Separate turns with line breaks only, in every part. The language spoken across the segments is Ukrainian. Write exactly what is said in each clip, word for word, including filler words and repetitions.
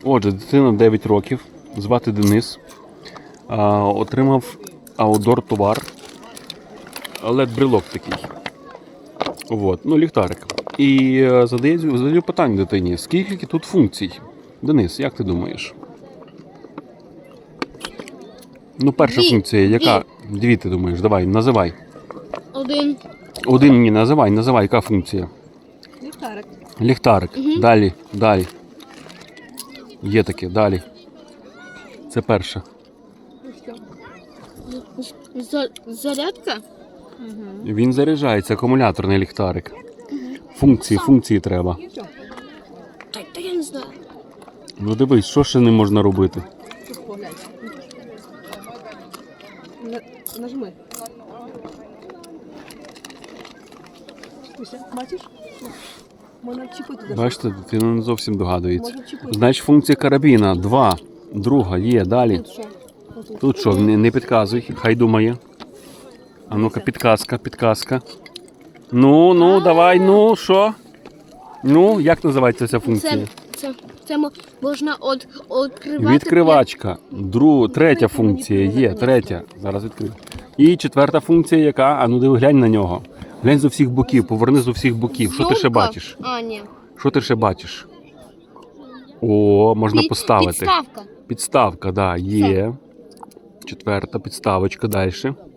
Отже, дитина дев'ять років, звати Денис. А, отримав аудор товар. лед-брелок такий. От, ну, ліхтарик. І е, задаю, задаю питання дитині, скільки тут функцій? Денис, як ти думаєш? Ну, перша
Дві.
функція, яка? Дві. Дві, ти думаєш, давай, називай.
Один.
Один мені називай, називай, яка функція?
Ліхтарик.
Ліхтарик.
Угу.
Далі, далі. Є таке, далі. Це перша.
За- Зарядка?
Він заряджається, акумуляторний ліхтарик. Функції, функції треба.
Та, та я не знаю.
Ну дивись, що ще не можна робити?
Нажми. Бачиш? Можна вчепити.
Бачите, дитина не зовсім догадується.
Можна вчепити.
Значить, функція карабіна. Два. Друга є, далі.
Тут що? Отут.
Тут що, не, не підказуй, хай думає. А ну-ка, підказка, підказка. Ну, ну, давай, ну, що? Ну, як називається ця функція?
Це, це, це мо- можна от, відкривати.
Відкривачка. Дру, третя функція є, третя. Зараз відкрию. І четверта функція яка? А ну диви, глянь на нього. Глянь з усіх боків, поверни з усіх боків. Що ти ще
Зйомка?
бачиш?
А, ні.
Що ти ще бачиш? О, можна
Під-
поставити.
Підставка.
Підставка, да, є. Четверта підставочка, далі.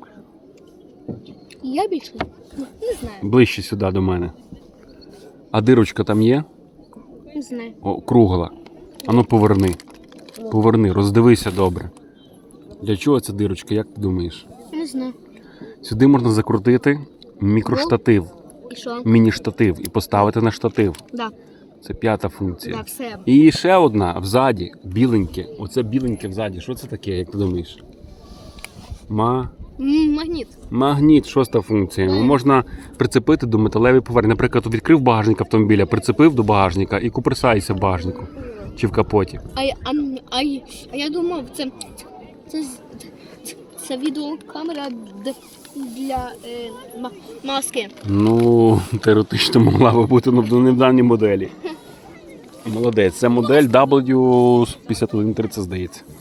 Я більше не, не знаю.
Ближче сюди до мене. А дирочка там є?
Не знаю.
О, кругла. Ану поверни. Поверни, роздивися добре. Для чого ця дирочка, як ти думаєш?
Не знаю.
Сюди можна закрутити мікроштатив,
І що?
міні-штатив і поставити на штатив.
Да.
Це п'ята функція.
Да, все.
І ще одна взаді, біленьке. Оце біленьке взаді. Що це таке, як ти думаєш? Ма...
М, Магніт.
Магніт, шоста функція. Можна прицепити до металевої поверхні. Наприклад, відкрив багажник автомобіля, прицепив до багажника і куперсаєшся в багажнику чи в капоті.
А, я- а, а, я- а я думав, це, це, з- це, це відеокамера д- для е, ма- маски.
Ну, теоретично могла би бути ну, в недавній моделі. Молодець. Це модель дабл ю п'ятдесят один тридцять, здається.